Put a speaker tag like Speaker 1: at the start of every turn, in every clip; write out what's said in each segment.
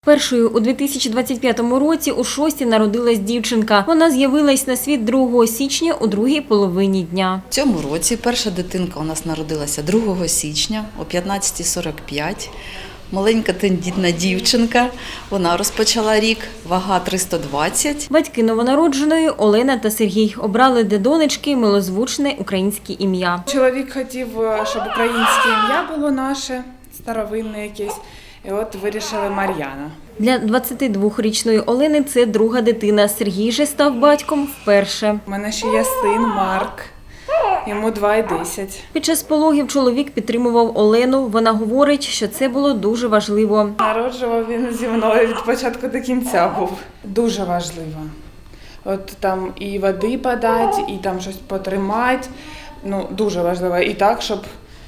Speaker 1: Першою у 2025 році у Шості народилась дівчинка. Вона з'явилась на світ 2 січня у другій половині дня.
Speaker 2: В цьому році перша дитинка у нас народилася 2 січня о 15:45. Маленька тендітна дівчинка. Вона розпочала рік, вага 320.
Speaker 1: Батьки новонародженої Олена та Сергій обрали для донечки милозвучне українське ім'я.
Speaker 3: Чоловік хотів, щоб українське ім'я було наше, старовинне якесь. І от вирішили Мар'яна.
Speaker 1: Для 22-річної Олени це друга дитина. Сергій же став батьком вперше.
Speaker 3: У мене ще є син Марк, йому 2 і 10.
Speaker 1: Під час пологів чоловік підтримував Олену. Вона говорить, що це було дуже важливо.
Speaker 3: Народжував він зі мною від початку до кінця був. Дуже важливо. От там і води подати, і там щось потримати. Ну, дуже важливо. І так, щоб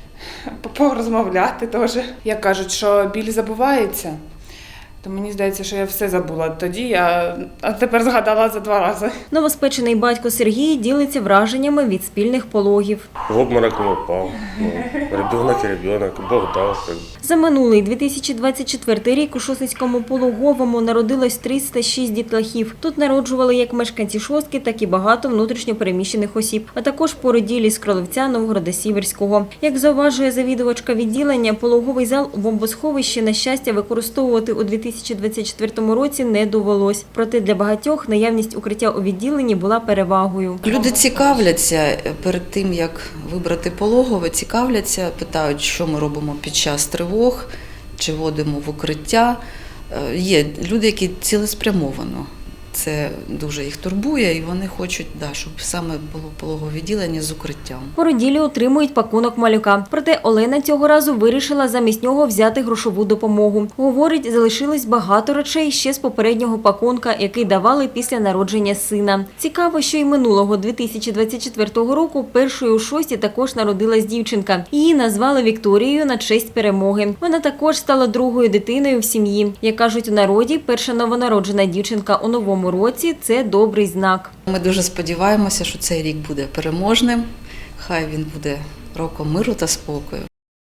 Speaker 3: порозмовляти теж. Як кажуть, що біль забувається, то мені здається, що я все забула тоді, а тепер згадала за 2 рази.
Speaker 1: Новоспечений батько Сергій ділиться враженнями від спільних пологів.
Speaker 4: В обморок не упав. Ребенок і ребенок, Бог дав.
Speaker 1: За минулий 2024 рік у Шосницькому пологовому народилось 306 дітлахів. Тут народжували як мешканці Шостки, так і багато внутрішньо переміщених осіб, а також породілі з Кролевця, Новгорода Сіверського. Як зауважує завідувачка відділення, пологовий зал у бомбосховищі, на щастя, використовувати у 2024 році не довелось. Проте для багатьох наявність укриття у відділенні була перевагою.
Speaker 2: Люди цікавляться перед тим, як вибрати пологове, цікавляться, питають, що ми робимо під час тривог, чи водимо в укриття. Є люди, які цілеспрямовано. Це дуже їх турбує, і вони хочуть, щоб саме було пологове відділення з укриттям.
Speaker 1: Породілі отримують пакунок малюка. Проте Олена цього разу вирішила замість нього взяти грошову допомогу. Говорить, залишилось багато речей ще з попереднього пакунка, який давали після народження сина. Цікаво, що й минулого 2024 року першою у Шості також народилась дівчинка. Її назвали Вікторією на честь перемоги. Вона також стала другою дитиною в сім'ї. Як кажуть у народі, перша новонароджена дівчинка у новому році – це добрий знак.
Speaker 2: Ми дуже сподіваємося, що цей рік буде переможним. Хай він буде роком миру та спокою.